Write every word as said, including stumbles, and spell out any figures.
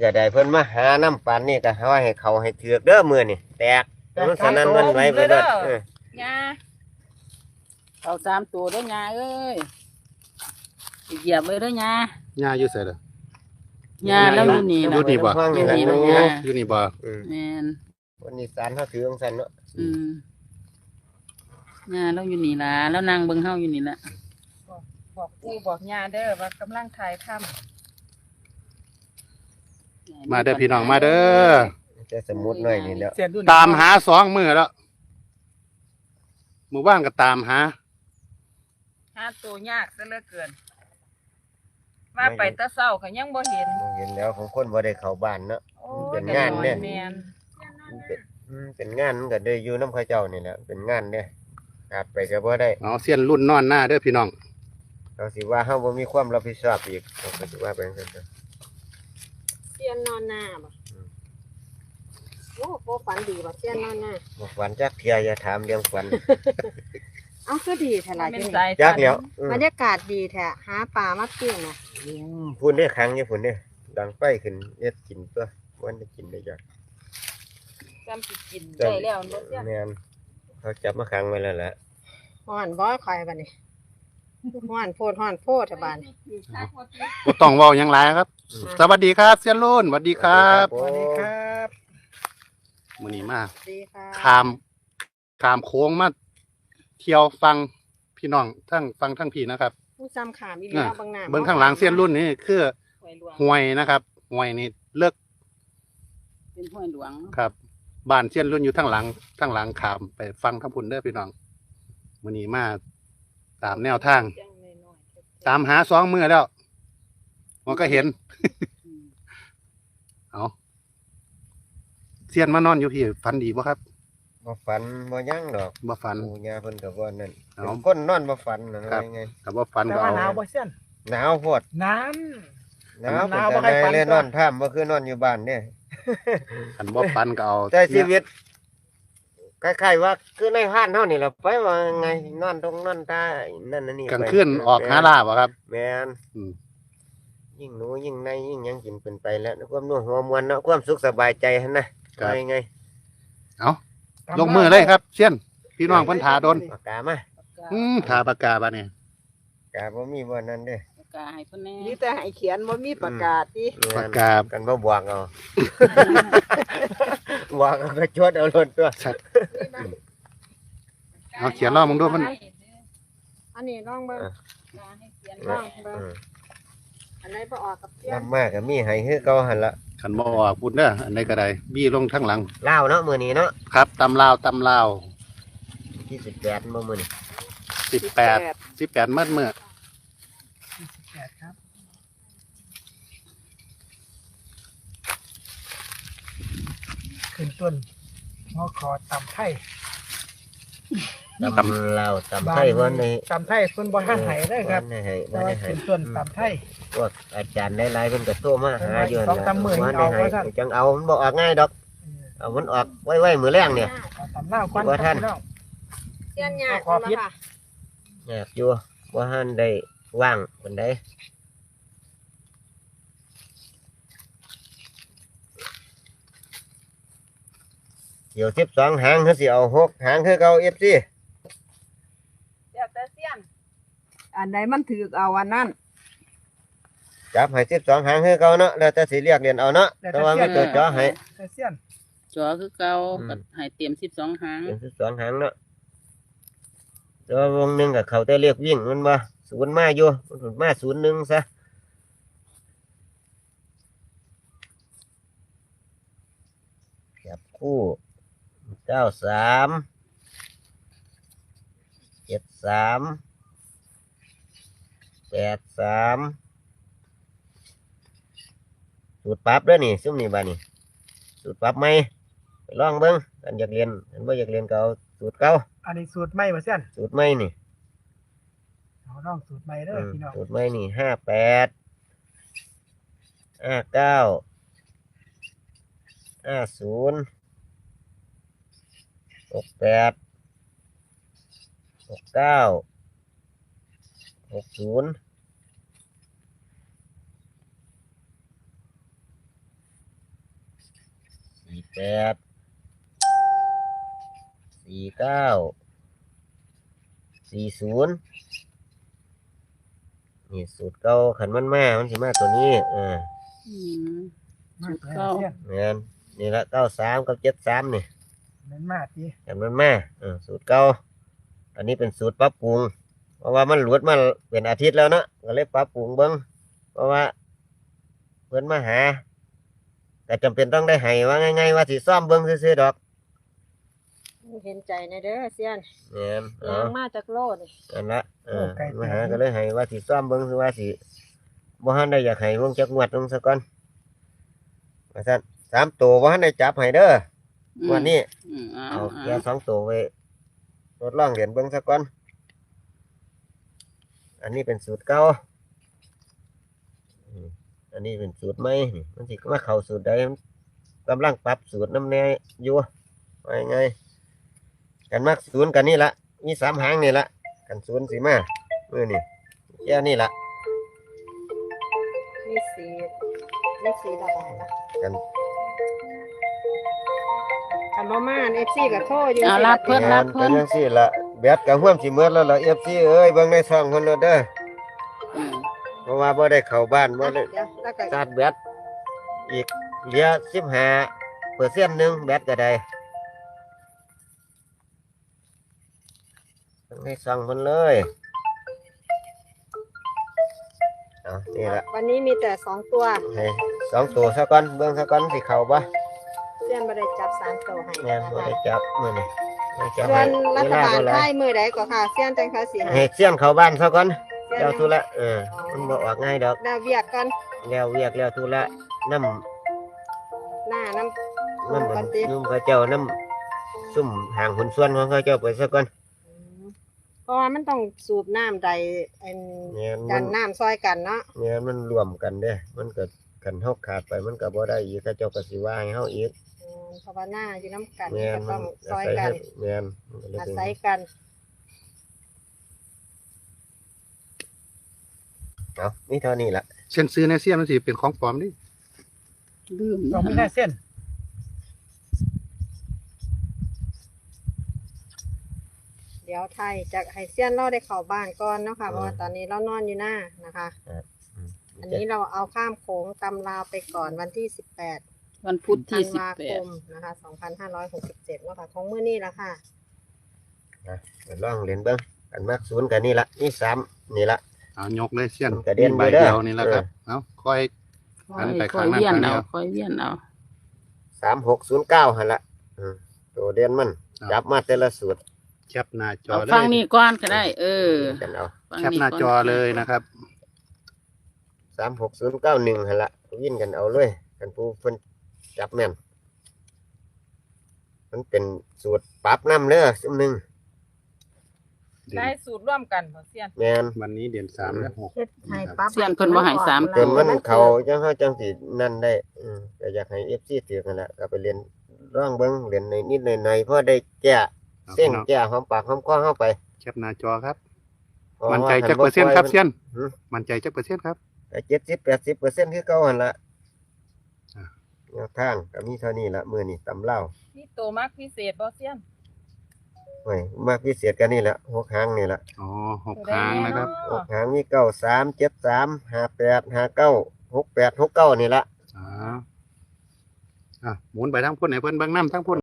ก็ได้เพิ่นมาหาน้ำปันนี่ก็ให้ให้เขาให้เถือกเด้อมือนี่แตกมันสนั่นมันไหวไปเด้อยาเอาสามตัวด้วยยาเอ้ยเหยียบไว้ด้วยยาย่าอยู่ไสล่ะยาแล้วอยู่นี่อยู่นี่บ่อยู่นี่บ่ยาอยู่นี่บ่แม่นวันนี้สารเขาถือของสันเนาะอืมยาแล้วอยู่นี่ล่ะแล้วนางเบิ่งเฮาอยู่นี่ล่ะบอกปู่บอกยาเด้อว่ากำลังถ่ายทำมาเด้อพี่น้องมาเด้อจะสมุดหน่อยนี่แล้วตามหาสองมื้อแล้วหมู่บ้านก็ตามหาหาตัวยากซะเหลือเกินมาไปตะเศร้าก็ยังบ่เห็นเห็นแล้วของคนบ่ได้เข้าบ้านเนาะเป็นงานเนี่ยเป็นงานมันก็ได้อยู่น้ำข้าเจ้านี่แหละเป็นงานเนี่ยขาดไปก็บ่ได้เอาเสี้ยนรุ่นนอนหน้าเด้อพี่น้องเราสิว่าเฮาบ่มีความรับผิดชอบอีกเราก็สิว่าไปจังซั่นเสียนนอนหน้าบ่โอ้บ่ฝันดีบ่เสียนนอนหน้าบ่ฝันจักเที่ยอย่าถามเรื่องฝันเอาคือดีแท้ล่ะจักแล้วบรรยากาศดีแท้หาปลามาปิ้งน่ะพุ่นได้ครั้งอยู่พุ่นเด้ดังไฟขึ้นเฮ็ดกินตัววันได้กินได้จักจำสิกินได้แล้วบ่เสียแม่นเขาจับมาขังไว้แล้วแหละฮ้อนบ่ค่อยบัดนี้ฮ้อนโพดฮ้อนโพดแท้บาดนี้บ่ต้องเว้าหยังหลายครับสวัสดีครับเสี้ยนรุ่นสวัสดีครับสวัสดีครับมื้อนี้มาสวัสดีค่ะข้ามข้ามโค้งมาเที่ยวฟังพี่น้องทั้งฟังทั้งพี่นะครับผู้ซ้ำขามอีหลีเบิ่งหน้าเบิ่งข้างหลังเสี้ยนรุ่นนี่คือห้วยนะครับห้วยนี่เลิกเป็นห้วยหลวงครับบ้านเสี้ยนรุ่นอยู่ทั้งหลังทั้งหลังขามไปฟังทั้งพุ่นเด้อพี่น้องมื้อนี้มาตามแนวทางตามหาสองมื้อแล้วมันก็เห็นเอาเสี้ยนมานอนอยู่พี่ฝันดีบ่ครับบ่ฝันบ่ยั่งดอกบ่ฝันปู่ย่าเพิ่นก็บ่นั่นเป็นคนนอนบ่ฝันน่ะไงก็บ่ฝันก็เอาหนาวบ่เสี้ยนหนาวโพดน้ำหนาวหนาวบ่ให้ฝันเลยนอนท่ามบ่คือนอนอยู่บ้านเด้คันบ่ฝันก็เอาแต่ชีวิตคล้ายๆว่าคือในห้านเฮานี่ล่ะไปว่าไงนอนตรงนอนตานั่นน่ะนี่กลางคืนออกหาลาบ่ครับแม่นยิ่งหนูยิ่งในยิ่งหยังกินเป็นไปแล้วความนัวหัวมวลเนาะความสุขสบายใจหั่นนะว่ายังไงเอาลงมือเลยครับเสี้ยนพี่น้องเพิ่นถาโดนปากกามาอืมถาปากกาบัดนี้ปากกาบ่มีบ่นั่นเด้ปากกาให้เพิ่นแน่มีแต่ให้เขียนบ่มีปากกาติปากกากันบ่บวกเอาบวกก็ชดเอาล้นตัวเอาเขียนรอมึงดูมันอันนี้ลองเบิ่งให้เขียนลองเบิ่งอันไหนบ่ออกกับเสี้ยนนำมาก็มีให้คือเก่าหั่นล่ะคันบ่ออกพุ่นเด้ออันใดก็ได้บี้ลงทั้งหลังลาวเนาะมื้อนี้เนาะครับตำลาวตำลาวที่สิบแปดบ่มื้อนี้สิบแปด สิบแปดมื้อมื้อสิบแปดครับขึ้นต้นงอขอตำไทยตำลาวตำไทยวันนี้ตำไทยเพิ่นบ่ให้ให้ได้ครับบ่ให้บ่ให้ให้ขึ้นต้นตำไทยพวกอาจารย์หลายๆเพิ่นก็โทรมาหาอยู่นั่นว่าได้ให้จังเอามันบ่ออกง่ายดอกเอามันออกไว้ๆมื้อแรงเนี่ยตำลาวก่อนบ่ทันเสี้ยนยากขอพิษยากอยู่บ่ทันได้ว่างปานใดเดี๋ยวสิบสองหางเขาสิเอาหกหางคือเก่า เอฟ ซีเดี๋ยวแต่เสี้ยนอันใดมันถือเอาอันนั้นจับให้สิบสองหางคือเก่าเนาะแล้วแต่สิเรียกเรียนเอาเนาะแต่ว่ามีตัวจ่อให้แต่เสี้ยนจ่อคือเก่าก็ให้เตรียมสิบสองหางเตรียมสิบสองหางเนาะแต่ว่าวงหนึงก็เขาแต่เรียกวิ่งมันบ่ศูนย์มาอยู่มันมาศูนย์หนึ่งซะจับคู่เก้าสามเจ็ดสามแปดสามสูตรปรับเด้อนี่ซุ่มนี่บ้านี่สูตรปรับไหมไปลองเบิ้งอันอยากเรียนอันบ่อยากเรียนก็เอาสูตรเก่าอันนี้สูตรใหม่บ่เสี้ยนสูตรใหม่นี่เอาลองสูตรใหม่เด้อพี่น้องสูตรใหม่นี่ห้าแปดห้าเก้าห้าศูนย์หกแปดหกเก้าหกศูนย์สี่แปดสี่เก้าสี่ศูนย์นี่สูตรเก่าขันมันมามันสิมาตัวนี้เอออืมมาสุดตัวเก้าเสี้ยนแม่นนี่ละเก้าสามกับเจ็ดสามนี่นั่นมาทีขันมันมาเออสูตรเก่าอันนี้เป็นสูตรปรับปรุงเพราะว่ามันหลุดมาเป็นอาทิตย์แล้วเนาะก็เลยปรับปรุงเบิ้งเพราะว่าเพิ่นมาหาแต่จำเป็นต้องได้ให้ว่าง่ายๆว่าสิซ่อมเบิ้งซื่อๆดอกเห็นใจในเด้อเซียนแม่นเอยางอมาจากโลดนี่อันละเออมาหาก็เลยให้ว่าสิซ่อมเบิ้งคือว่าสิบ่ทันได้อยากให้วงจักงวดลงซะก่อนว่าซั่นสามตัวบ่ทันได้จับให้เด้องวันนี้อืมเอาเอาเอาแค่สองตัวไว้ทดลองเหรียญเบิ้งซะก่อนอันนี้เป็นสูตรเก่าอืมอันนี้เป็นสูตรใหม่นี่มันสิมาเข้าสูตรใดมันกำลังปรับสูตรน้ำแน่อยู่ว่าไงกันมักศูนย์กันนี่ละมีสามหางนี่ละกันศูนย์สิมาเมื่อนี่แค่นี้ละมีสีมีสีระบายนะกันคำว่ามาเอฟซีกับโทษอยู่เอาสิรับเพิ่นงานกันยังสิละแบดกับห่วมสิเมื่อแล้วละเอฟซีเอ้ยเบิ่งในซองคนละเด้ออืมเพราะว่าบ่ได้เข้าบ้านบ่ได้เดี๋ยวแล้วก็ชาร์จแบตอีกเหลือสิบห้าเปอร์เซ็นต์หนึ่งแบตก็ได้เบิ่งในซองคนเลยเอานี่ละวันนี้มีแต่สองตัวให้สองตัวซะก่อนเบิ่งซะก่อนสิเข้าบ่เซียนบ่ได้จับสามตัวให้แม่นนะบ่คะได้จับมื้อนี้บ่จับส่วให้นรัเวฐลาบาลบ่หลาไทยยมือใดก็ค่ะเซียนจังเขาสิให้ให้เสี้ยนเข้าบ้านซะก่อนเซียนเดี๋ยวทุละเออมันบ่ออกง่ายดอกดาวเวียกก่อนแล้วเวียกแล้วทุละน้ำหน้าน้ำน้ำปมันฏิยุ่มเขาเจ้าน้ำซุ่มห่างหุ่นส่วนของเขาเจ้าไปซะก่อนเพราะว่ามันต้องสูบน้ำใดอันเนี่ยดัมันนน้ำซอยกันเนาะเนี่ยมันรวมกันเด้ มันก็กันเฮาขาดไปมันก็บ่ได้อีกเขาเจ้าก็สิว่าให้เฮาอีกอืมเพราะว่าหน้าอยู่น้ำกันแม่นก็มัต้อน งซอาอยศัยกัให้นแม่นมันก็เลยอาเป็นศัยกันเอานี่เท่านี้ล่ะเส้นซื้อในเสี้ยนมันสิเป็นของปลอมดิลืมต้องมีหน้าเส้นเดี๋ยวไทยจะให้เซียนเราได้เข้าบ้านก่อนเนาะค่ะเพราะว่าตอนนี้เรานอนอยู่หน้านะคะอืมอันนี้เราเอาข้ามโขงตำลาวไปก่อนวันที่สิบแปดวันพุธธัที่นสิบวาแปคดมนะคะสองพันห้าร้อยหกสิบเจ็ดว่าค่ะของมื้อนี้ละค่ะนะเดี๋ยวลองเล่นเบิ่งกันมักศูนย์กันนี่ละนี่สามนี่ละเอายกเลยเสี้ยนกระเด็นมีใบอยู่เด้อเดียวนี่แหละครับเอาค่อยค่อัอยนไปค่อยข้างหน้าเวียนข้างเดีเอายวค่อยเวียนเอาสามหกศูนย์เก้าหั่นละอืมตัวเด่นมันจับมาแต่ละสูตรแคปหน้าจอเอาเลฟังยนี่ก่อนก็ได้ เออกันเอาฟังแคปหน้าจอเลยนะครับสามหกศูนย์เก้าหนึ่งหั่นละวิ่นกันเอาเลยกันผู้เพิ่นจับแม่นมันเป็นสูตรปรับน้ำเด้อซุมหนึงได้สูตรร่วมกันบ่เซียนแม่นวันนี้เดือนสามและหกเฮ็ดให้ปั๊บเซียนเพิ่นบ่ให้สามจนมันเขาจังเฮาจังสินั่นได้อืมก็อยากให้ เอฟ ซี ถือกันแหละก็ไปเรียนร่องเบิ่งเรียนในนิดหน่อยๆพอได้แก้เอาเส้นพี่น้องแก้หอมปากหอมคอเฮาไปแคปหน้าจอครับเพราะมั่นใจว่าจักเปอร์เซ็นต์ครับเสี้ยนหือมั่นใจจักเปอร์เซ็นต์ครับก็เจ็ดสิบ แปดสิบเปอร์เซ็นต์คือเก่าหั่นละอ่าแนวทางก็มีเท่านี้ละมื้อนี้ตำเล่านี่โตมักพิเศษบ่เซียนโอ้ยมากพิเศษกันนี่ละหกหางนี่ละอ๋อหกครั้งนะครับหกหางมีเก้าสามเจ็ดสามห้าแปดห้าเก้าหกแปดหกเก้านี่ละอ๋ออ่ะหมุนไปทั้งพุ่นไหนเพิ่นเบิ่งน้ำทั้งพุ่น